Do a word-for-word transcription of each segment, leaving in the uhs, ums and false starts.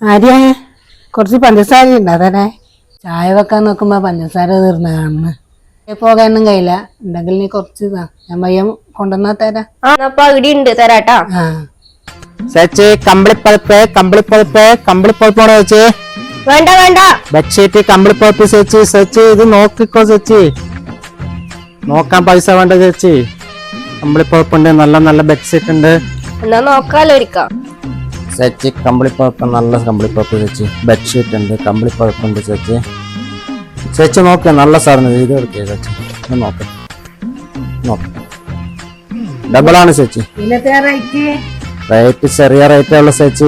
ആര്യ കുറച്ച് പഞ്ചസാര ഉണ്ട് അതന്നെ ചായ വെക്കാൻ നോക്കുമ്പോ പഞ്ചസാര തീർന്ന കാണുന്നു. പോകാനൊന്നും കഴിയില്ല. ഉണ്ടെങ്കിൽ നീ കുറച്ച് ഞാൻ പയ്യം കൊണ്ടുവന്നാ തരാം. തരാട്ടാ. ചേച്ചി കമ്പിളിപ്പഴുപ്പ് കമ്പിളിപ്പഴുപ്പ് കമ്പിളിപ്പഴുപ്പാണോ ചേച്ചി? വേണ്ട വേണ്ട. ബെഡ്ഷീറ്റ് കമ്പിളിപ്പഴുപ്പ് ചേച്ചി. ചേച്ചി ഇത് നോക്കിക്കോ ചേച്ചി. നോക്കാൻ പൈസ വേണ്ട ചേച്ചി. കമ്പിളിപ്പഴുപ്പുണ്ട്, നല്ല നല്ല ബെഡ്ഷീറ്റ് ഉണ്ട്. എന്നാ നോക്കാലോ ഒരിക്കാം. ചേച്ചി കമ്പിളിപ്പഴുപ്പ് നല്ല കമ്പിളിപ്പഴുപ്പ് ചേച്ചി. ബെഡ്ഷീറ്റ് ഉണ്ട്, കമ്പിളിപ്പഴുപ്പുണ്ട് ചേച്ചി. ചേച്ചി നോക്കിയ നല്ല സാധനം ഇത് എടുക്കുക ചേച്ചി. നോക്ക നോക്ക ഡബിൾ ആണ് ചേച്ചി. റേറ്റ് ചെറിയ റേറ്റേ ഉള്ളു ചേച്ചി.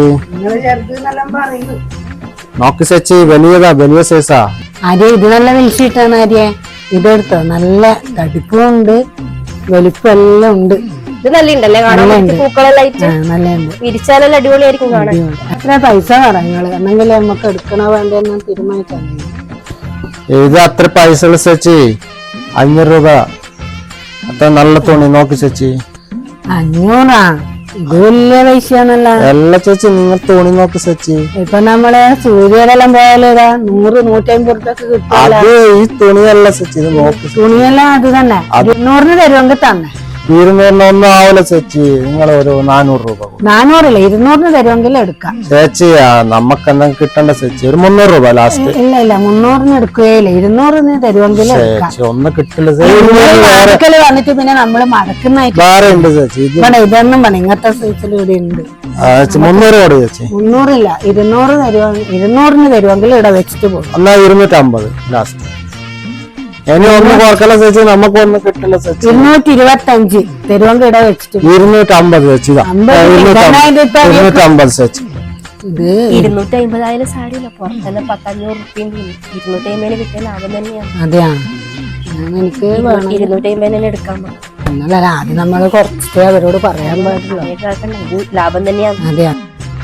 നോക്ക് ചേച്ചി, വലിയതാ, വലിയ സൈസാ. ആര്യ ഇത് നല്ല വലിച്ചിട്ടാണ് ആര്യ. ഇതെടുത്തോ, നല്ല തടിപ്പുണ്ട്, വലിപ്പം എല്ലാം ഉണ്ട്. ഇത് നല്ലുണ്ടല്ലേ കാണാൻ? പൂക്കളെല്ലാം നല്ലുണ്ട്. വിരിച്ചാലെല്ലാം അടിപൊളിയായിരിക്കും കാണാൻ. എത്ര പൈസ പറയുന്നത് എന്നെങ്കിൽ നമുക്ക് എടുക്കണോ വേണ്ടെന്ന് തീരുമാനിക്കാൻ. ഇത് അത്ര പൈസ ഉള്ള ചേച്ചി. അഞ്ഞൂറ് രൂപ. അത്ര നല്ല തുണി. നോക്ക് ചേച്ചി. അഞ്ഞൂറാ? ഇത് വലിയ പൈസയാണല്ലോ. എല്ലാ ചേച്ചി നിങ്ങൾ തുണി നോക്ക് ചേച്ചി. ഇപ്പൊ നമ്മള് സൂര്യയിലെല്ലാം പോയാലേതാ നൂറ് നൂറ്റമ്പത് റുപ്യൊക്കെ കിട്ടും. അത് ഈ തുണിയല്ല ചേച്ചി, ഇത് നോക്ക്. തുണിയെല്ലാം അത് തന്നെ. ഇരുന്നൂറിന് തരുമെങ്കിൽ തന്നെ. ഇരുന്നൂറിന് ഒന്നും ആവില്ല ചേച്ചി. നിങ്ങൾ ഒരു നാനൂറ് രൂപ. നാനൂറില്ല, ഇരുന്നൂറിന് തരുമെങ്കിൽ എടുക്കാം ചേച്ചി. നമുക്ക് എന്തെങ്കിലും കിട്ടണ്ട ചേച്ചി. ഒരു മുന്നൂറ് രൂപ ലാസ്റ്റ്. ഇല്ല ഇല്ല, മുന്നൂറിന് എടുക്കുകയില്ല, ഇരുന്നൂറിന് തരുമെങ്കിൽ ഒന്നും കിട്ടില്ല. വന്നിട്ട് പിന്നെ നമ്മള് മടക്കുന്നതായിട്ട് വേറെ ഉണ്ട് ചേച്ചി. ഇതൊന്നും പണി ഇങ്ങനത്തെ സൈസിൽ ഇവിടെ ഉണ്ട്. മുന്നൂറ് കൂടി ചേച്ചി. മുന്നൂറില്ല, ഇരുന്നൂറ് തരുവ ഇരുന്നൂറിന് തരുമെങ്കിൽ ഇവിടെ വെച്ചിട്ട് പോകും. എന്നാ ഇരുന്നൂറ്റമ്പത് ലാസ്റ്റ്. ഇനി ഒന്നും കുറക്കല ചേച്ചി. നമുക്ക് ഒന്നും കിട്ടില്ല ചേച്ചി. ഇരുന്നൂറ്റി ഇരുപത്തി അഞ്ച് തരുമെങ്കിൽ ഇവിടെ വെച്ചിട്ട് ഇരുന്നൂറ്റമ്പത് ചേച്ചി. ഇരുന്നൂറ്റമ്പത് ചേച്ചി. ഇത് ഇരുന്നൂറ്റി അമ്പതായാലും സാരിയില്ല. പുറത്തന്നെ പത്തഞ്ഞൂറ് റുപ്യ ഇരുന്നൂറ്റി അമ്പതിന് കിട്ടിയ ലാഭം തന്നെയാണ്. അതെയാ, എനിക്ക് ഇരുന്നൂറ്റി അമ്പതിന് എടുക്കാൻ പറ്റും. എന്നല്ല ആദ്യം നമ്മള് കുറച്ചിട്ട് അവരോട് പറയാൻ പാടില്ല. ലാഭം തന്നെയാണ്. അതെയാ.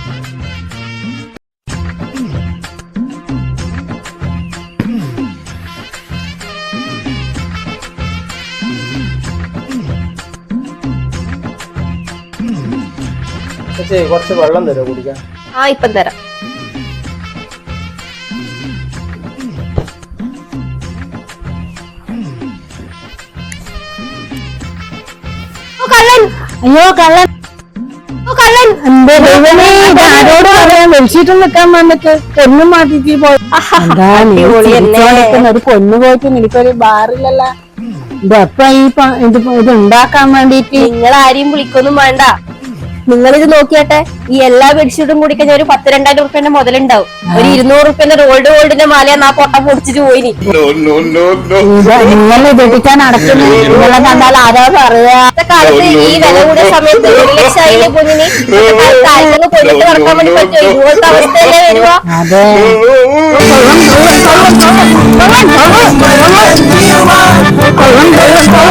കുറച്ച് വെള്ളം തരാം കുടിക്കാൻ. ആ ഇപ്പം തരാം. അയ്യോ കള്ളൻ, കള്ളൻ ആരോട് പറയാൻ വെളിച്ചിട്ട് നിൽക്കാൻ വന്നിട്ട് പൊന്നും മാറ്റിട്ട് പോയി. ഒരു പൊന്നു പോയിട്ട് എനിക്കൊരു ബാറിലല്ല. ഇത് എപ്പ ഈ ഇത് ഇത് ഉണ്ടാക്കാൻ വേണ്ടിട്ട് നിങ്ങൾ ആരെയും വിളിക്കൊന്നും വേണ്ട. നിങ്ങളിത് നോക്കിയാട്ടെ, ഈ എല്ലാ ബെഡ്ഷീറ്റും കൂടി കഴിഞ്ഞാൽ ഒരു പത്ത് രണ്ടായിരം റുപ്യന്റെ മുതലുണ്ടാവും. ഒരു ഇരുന്നൂറ് റുപ്യന്റെ റോൾഡ് ഗോൾഡിന്റെ മാലയാണ് ആ പൊട്ട പൊടിച്ചിട്ട് പോയിനി. നിങ്ങൾ ഇതെടുക്കാൻ നടക്കുന്നു. നിങ്ങളെ കണ്ടാൽ ആരോ പറയാ. കാലത്ത് ഈ വില കൂടിയ സമയത്ത് ഒരു ലക്ഷം ആയില്ലേ പൊന്നിന്. കാലത്തൊന്ന് കൊണ്ടിട്ട് നടക്കാൻ വേണ്ടി പറ്റുമോ? ഇതുപോലത്തെ അവസ്ഥയല്ലേ വരുവാ. അതെ, കൊള്ളം കൊള്ളം കൊള്ളം കൊള്ളം കൊള്ളം കൊള്ളം കൊള്ളം കൊള്ളം